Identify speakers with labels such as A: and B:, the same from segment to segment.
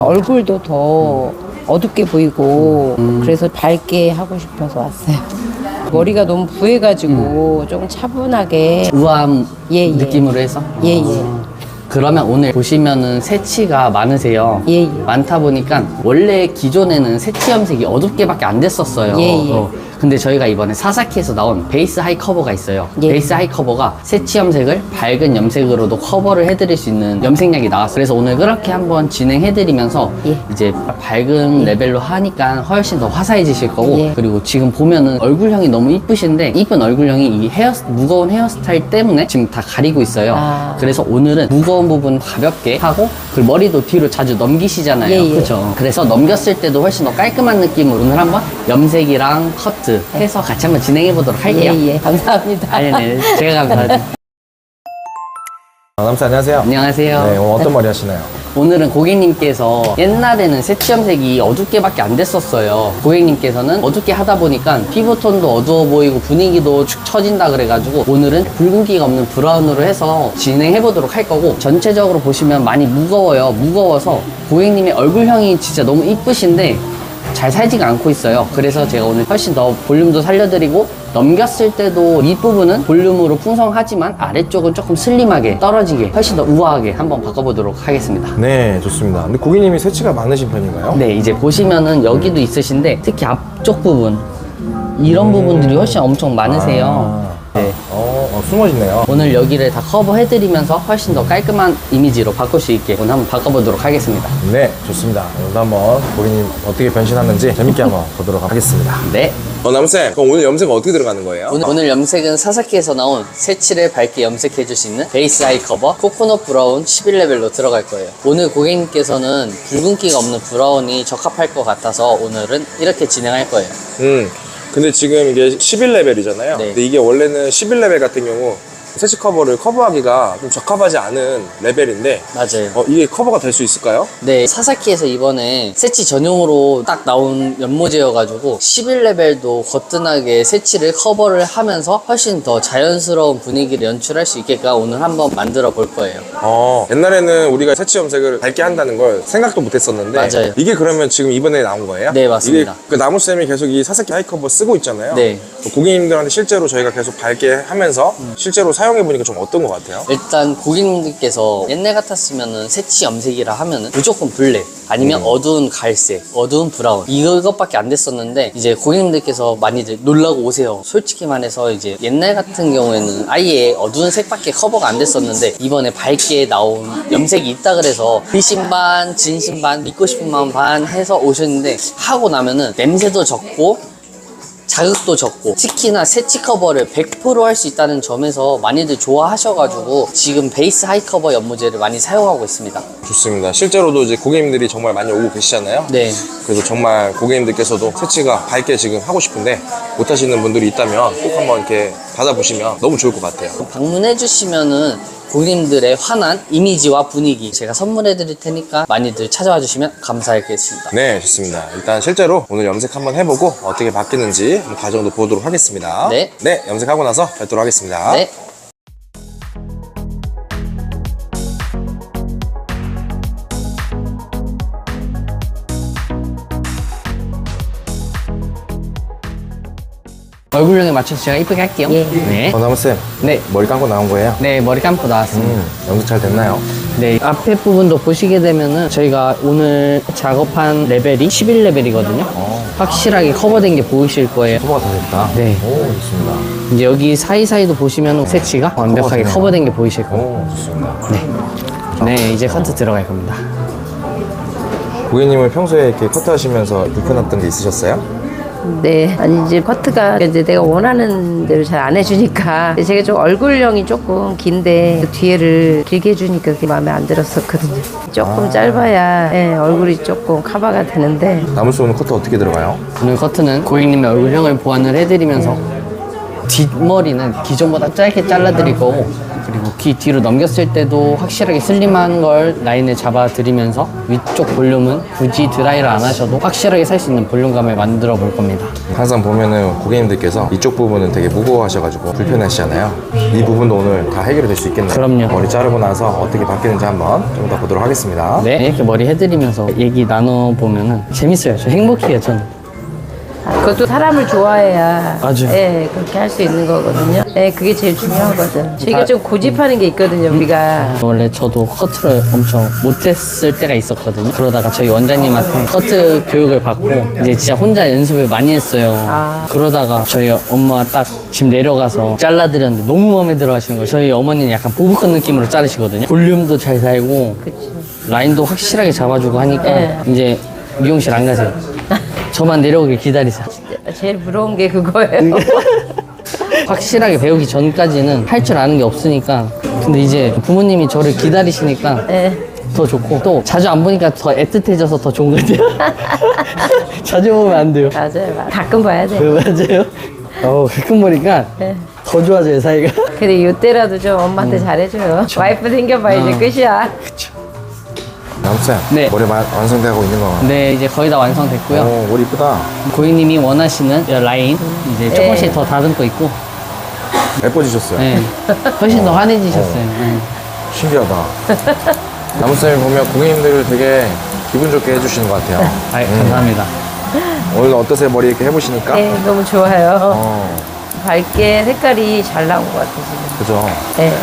A: 얼굴도 더 어둡게 보이고 그래서 밝게 하고 싶어서 왔어요. 머리가 너무 부해가지고 조금 차분하게.
B: 우아한
A: 예, 예.
B: 느낌으로 해서?
A: 예.
B: 그러면 오늘 보시면은 새치가 많으세요.
A: 예.
B: 많다 보니까 원래 기존에는 새치 염색이 어둡게밖에 안 됐었어요.
A: 예.
B: 근데 저희가 이번에 사사키에서 나온 베이스 하이 커버가 있어요.
A: 예.
B: 베이스 하이 커버가 새치 염색을 밝은 염색으로도 커버를 해드릴 수 있는 염색약이 나왔어요. 그래서 오늘 그렇게 한번 진행해드리면서
A: 예.
B: 이제 밝은 레벨로 하니까 훨씬 더 화사해지실 거고,
A: 예.
B: 그리고 지금 보면은 얼굴형이 너무 이쁘신데 이쁜 얼굴형이 이 무거운 헤어스타일 때문에 지금 다 가리고 있어요.
A: 아.
B: 그래서 오늘은 무거운 부분 가볍게 하고, 그리고 머리도 뒤로 자주 넘기시잖아요.
A: 예.
B: 그렇죠. 그래서 넘겼을 때도 훨씬 더 깔끔한 느낌으로 오늘 한번 염색이랑 커트 해서 같이 한번 진행해 보도록 할게요.
A: 예. 감사합니다.
B: 네, 제가 감사합니다.
C: 남사 안녕하세요.
B: 안녕하세요.
C: 네, 오늘 어떤 머리 하시나요?
B: 오늘은 고객님께서 옛날에는 새치 염색이 어둡게밖에 안 됐었어요. 고객님께서는 어둡게 하다 보니까 피부톤도 어두워 보이고 분위기도 축 처진다 그래가지고 오늘은 붉은기가 없는 브라운으로 해서 진행해 보도록 할 거고, 전체적으로 보시면 많이 무거워요. 무거워서 고객님의 얼굴형이 진짜 너무 이쁘신데 잘 살지가 않고 있어요. 그래서 제가 오늘 훨씬 더 볼륨도 살려드리고, 넘겼을 때도 윗부분은 볼륨으로 풍성하지만 아래쪽은 조금 슬림하게 떨어지게 훨씬 더 우아하게 한번 바꿔보도록 하겠습니다.
C: 네, 좋습니다. 근데 고객님이 새치가 많으신 편인가요?
B: 네, 이제 보시면은 여기도 있으신데 특히 앞쪽 부분 이런 부분들이 훨씬 엄청 많으세요. 네.
C: 숨어있네요.
B: 오늘 여기를 다 커버해드리면서 훨씬 더 깔끔한 이미지로 바꿀 수 있게 오늘 한번 바꿔보도록 하겠습니다.
C: 네, 좋습니다. 오늘도 한번 고객님 어떻게 변신하는지 재밌게 한번 보도록 하겠습니다.
B: 네.
D: 남쌤, 그럼 오늘 염색은 어떻게 들어가는 거예요?
B: 오늘 염색은 사사키에서 나온 새치를 밝게 염색해줄 수 있는 베이스 하이 커버 코코넛 브라운 11레벨로 들어갈 거예요. 오늘 고객님께서는 붉은기가 없는 브라운이 적합할 것 같아서 오늘은 이렇게 진행할 거예요.
D: 근데 지금 이게 11레벨이잖아요.
B: 네.
D: 근데 이게 원래는 11레벨 같은 경우 새치 커버를 커버하기가 좀 적합하지 않은 레벨인데
B: 맞아요.
D: 이게 커버가 될 수 있을까요?
B: 네, 사사키에서 이번에 새치 전용으로 딱 나온 연모제여가지고 11레벨도 거뜬하게 새치를 커버를 하면서 훨씬 더 자연스러운 분위기를 연출할 수 있게끔 오늘 한번 만들어 볼 거예요.
D: 옛날에는 우리가 새치 염색을 밝게 한다는 걸 생각도 못 했었는데
B: 맞아요.
D: 이게 그러면 지금 이번에 나온 거예요?
B: 네, 맞습니다.
D: 이게 나무쌤이 계속 이 사사키 하이 커버 쓰고 있잖아요.
B: 네.
D: 고객님들한테 실제로 저희가 계속 밝게 하면서 실제로 사용해보니까 좀 어떤 것 같아요?
B: 일단 고객님들께서 옛날 같았으면은 새치 염색이라 하면은 무조건 블랙 아니면 어두운 갈색, 어두운 브라운 이것밖에 안 됐었는데 이제 고객님들께서 많이들 놀라고 오세요. 솔직히 말해서 이제 옛날 같은 경우에는 아예 어두운 색밖에 커버가 안 됐었는데 이번에 밝게 나온 염색이 있다 그래서 비신 반, 진심 반, 믿고 싶은 마음 반 해서 오셨는데 하고 나면은 냄새도 적고 자극도 적고 특히나 새치 커버를 100% 할 수 있다는 점에서 많이들 좋아하셔가지고 지금 베이스 하이 커버 연모제를 많이 사용하고 있습니다.
D: 좋습니다. 실제로도 이제 고객님들이 정말 많이 오고 계시잖아요.
B: 네.
D: 그래서 정말 고객님들께서도 새치가 밝게 지금 하고 싶은데 못 하시는 분들이 있다면 꼭 한번 이렇게 받아보시면 너무 좋을 것 같아요.
B: 방문해 주시면은 고객님들의 환한 이미지와 분위기 제가 선물해 드릴 테니까 많이들 찾아와 주시면 감사하겠습니다.
D: 네, 좋습니다. 일단 실제로 오늘 염색 한번 해보고 어떻게 바뀌는지 한번 과정도 보도록 하겠습니다.
B: 네.
D: 네, 염색하고 나서 뵙도록 하겠습니다.
B: 네. 얼굴형에 맞춰서 제가 이쁘게 할게요.
A: 예.
B: 네.
C: 남쌤,
B: 네.
C: 머리 감고 나온 거예요?
B: 네, 머리 감고 나왔습니다.
C: 염색 잘 됐나요?
B: 네, 앞에 부분도 보시게 되면은 저희가 오늘 작업한 레벨이 11레벨이거든요. 확실하게 커버된 게 보이실 거예요.
C: 커버가 다 됐다.
B: 네.
C: 오, 좋습니다.
B: 이제 여기 사이사이도 보시면 새치가 완벽하게
C: 커버되네요.
B: 커버된 게 보이실 거예요.
C: 오, 좋습니다.
B: 네, 이제 커트 들어갈 겁니다.
C: 고객님은 평소에 이렇게 커트 하시면서 불편했던 게 있으셨어요?
A: 네. 아니, 이제 커트가 이제 내가 원하는 대로 잘 안 해주니까 제가 좀 얼굴형이 조금 긴데 그 뒤에를 길게 해주니까 그게 마음에 안 들었었거든요. 조금 짧아야 얼굴이 조금 커버가 되는데
C: 남울씨 오늘 커트 어떻게 들어가요?
B: 오늘 커트는 고객님의 얼굴형을 보완을 해드리면서 뒷머리는 기존보다 짧게 잘라드릴 거고, 그리고 귀 뒤로 넘겼을 때도 확실하게 슬림한 걸 라인을 잡아드리면서 위쪽 볼륨은 굳이 드라이를 안 하셔도 확실하게 살 수 있는 볼륨감을 만들어 볼 겁니다.
C: 항상 보면은 고객님들께서 이쪽 부분은 되게 무거워하셔가지고 불편하시잖아요. 이 부분도 오늘 다 해결이 될 수 있겠네요.
B: 그럼요.
C: 머리 자르고 나서 어떻게 바뀌는지 한번 좀 더 보도록 하겠습니다.
B: 네, 이렇게 머리 해드리면서 얘기 나눠보면은 재밌어요. 저 행복해요, 저는.
A: 그것도 사람을 좋아해야
B: 맞아요.
A: 예, 그렇게 할 수 있는 거거든요. 예, 그게 제일 중요하거든. 저희가 좀 고집하는 게 있거든요, 우리가.
B: 원래 저도 커트를 엄청 못했을 때가 있었거든요. 그러다가 저희 원장님한테 커트 교육을 받고 이제 진짜 혼자 연습을 많이 했어요. 그러다가 저희 엄마가 딱 집 내려가서 잘라드렸는데 너무 마음에 들어 하시는 거예요. 저희 어머니는 약간 보브컷 느낌으로 자르시거든요. 볼륨도 잘 살고 라인도 확실하게 잡아주고 하니까
A: 네.
B: 이제 미용실 안 가세요. 저만 내려오길 기다리세요.
A: 제일 부러운 게 그거예요.
B: 확실하게 배우기 전까지는 할 줄 아는 게 없으니까. 근데 이제 부모님이 저를 기다리시니까
A: 예.
B: 더 좋고 또 자주 안 보니까 더 애틋해져서 더 좋은 것 같아요. 자주 보면 안 돼요.
A: 맞아요. 가끔 봐야 돼.
B: 맞아요. 가끔 보니까
A: 네.
B: 더 좋아져요, 사이가.
A: 근데 이때라도 좀 엄마한테 잘해줘요. 와이프 생겨봐 이제 끝이야.
C: 남쌤,
B: 네.
C: 머리 완성되고 있는 거.
B: 네, 이제 거의 다 완성됐고요.
C: 오, 머리 이쁘다.
B: 고객님이 원하시는 이 라인 이제 조금씩 더 다듬고 있고,
C: 예뻐지셨어요.
B: 네, 훨씬 더 환해지셨어요. 네.
C: 신기하다. 남쌤이 보면 고객님들을 되게 기분 좋게 해주시는 것 같아요.
B: 감사합니다.
C: 오늘 어떠세요? 머리 이렇게 해보시니까?
A: 네, 너무 좋아요.
C: 어,
A: 밝게 색깔이 잘 나온 것 같아요, 지금.
C: 그죠.
A: 네.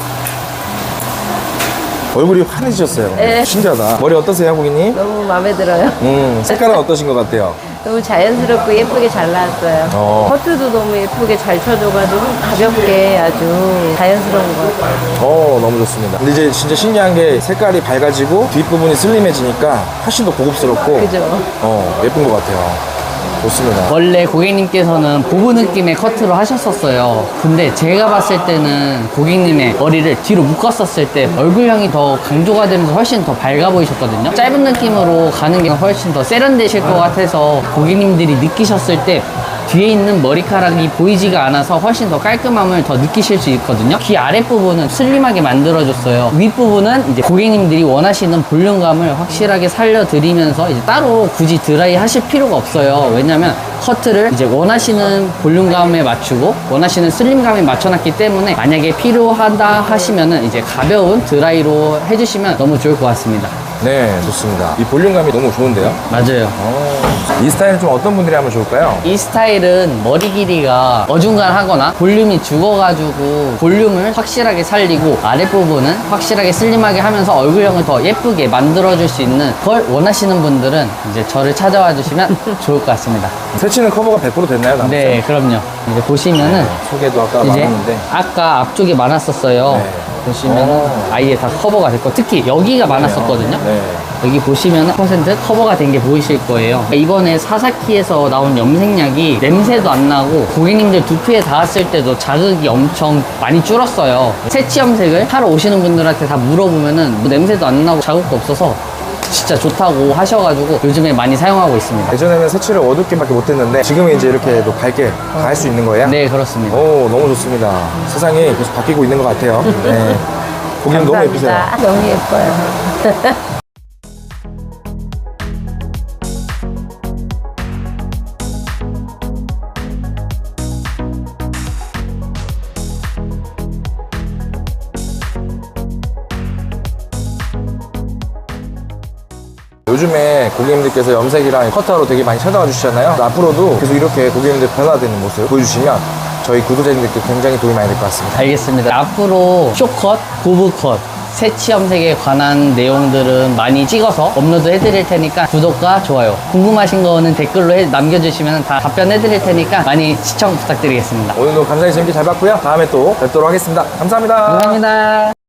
C: 얼굴이 환해지셨어요.
A: 네.
C: 신기하다. 머리 어떠세요, 고객님?
A: 너무 마음에 들어요.
C: 색깔은 어떠신 것 같아요?
A: 너무 자연스럽고 예쁘게 잘 나왔어요. 커트도 너무 예쁘게 잘 쳐줘가지고 가볍게 아주 자연스러운 것 같아요.
C: 너무 좋습니다. 근데 이제 진짜 신기한 게 색깔이 밝아지고 뒷부분이 슬림해지니까 훨씬 더 고급스럽고
A: 그죠?
C: 예쁜 것 같아요. 좋습니다.
B: 원래 고객님께서는 보부 느낌의 커트로 하셨었어요. 근데 제가 봤을 때는 고객님의 머리를 뒤로 묶었었을 때 얼굴형이 더 강조가 되면서 훨씬 더 밝아 보이셨거든요. 짧은 느낌으로 가는 게 훨씬 더 세련되실 것 같아서 고객님들이 느끼셨을 때 뒤에 있는 머리카락이 보이지가 않아서 훨씬 더 깔끔함을 더 느끼실 수 있거든요. 귀 아랫부분은 슬림하게 만들어줬어요. 윗부분은 이제 고객님들이 원하시는 볼륨감을 확실하게 살려드리면서 이제 따로 굳이 드라이 하실 필요가 없어요. 왜냐면 커트를 이제 원하시는 볼륨감에 맞추고 원하시는 슬림감에 맞춰놨기 때문에 만약에 필요하다 하시면은 이제 가벼운 드라이로 해주시면 너무 좋을 것 같습니다.
C: 네, 좋습니다. 이 볼륨감이 너무 좋은데요?
B: 맞아요.
C: 이 스타일은 좀 어떤 분들이 하면 좋을까요?
B: 이 스타일은 머리 길이가 어중간하거나 볼륨이 죽어가지고 볼륨을 확실하게 살리고 아랫부분은 확실하게 슬림하게 하면서 얼굴형을 더 예쁘게 만들어줄 수 있는 걸 원하시는 분들은 이제 저를 찾아와 주시면 좋을 것 같습니다.
C: 새치는 커버가 100% 됐나요, 남자?
B: 네, 그럼요. 이제 보시면은
C: 소개도 아까
B: 이제
C: 많았는데.
B: 아까 앞쪽에 많았었어요.
C: 네.
B: 보시면은 아예 다 커버가 됐고 특히 여기가 많았었거든요.
C: 네.
B: 여기 보시면 퍼센트 커버가 된 게 보이실 거예요. 이번에 사사키에서 나온 염색약이 냄새도 안 나고 고객님들 두피에 닿았을 때도 자극이 엄청 많이 줄었어요. 새치 염색을 하러 오시는 분들한테 다 물어보면은 뭐 냄새도 안 나고 자극도 없어서 진짜 좋다고 하셔가지고 요즘에 많이 사용하고 있습니다.
C: 예전에는 새치를 어둡게밖에 못했는데 지금은 이제 이렇게 또 밝게 다 할 수 있는 거예요?
B: 네, 그렇습니다.
C: 오, 너무 좋습니다. 세상이 계속 바뀌고 있는 것 같아요. 네. 고객님 너무 예쁘세요.
A: 감사합니다. 너무 예뻐요.
C: 요즘에 고객님들께서 염색이랑 커터로 되게 많이 찾아와 주시잖아요. 앞으로도 계속 이렇게 고객님들 변화되는 모습 보여주시면 저희 구독자님들께 굉장히 도움이 많이 될 것 같습니다.
B: 알겠습니다. 앞으로 쇼컷, 고브컷, 새치 염색에 관한 내용들은 많이 찍어서 업로드 해드릴 테니까 구독과 좋아요, 궁금하신 거는 댓글로 남겨주시면 다 답변해드릴 테니까 많이 시청 부탁드리겠습니다.
C: 오늘도 감사히 재밌게 잘 봤고요. 다음에 또 뵙도록 하겠습니다. 감사합니다.
B: 감사합니다.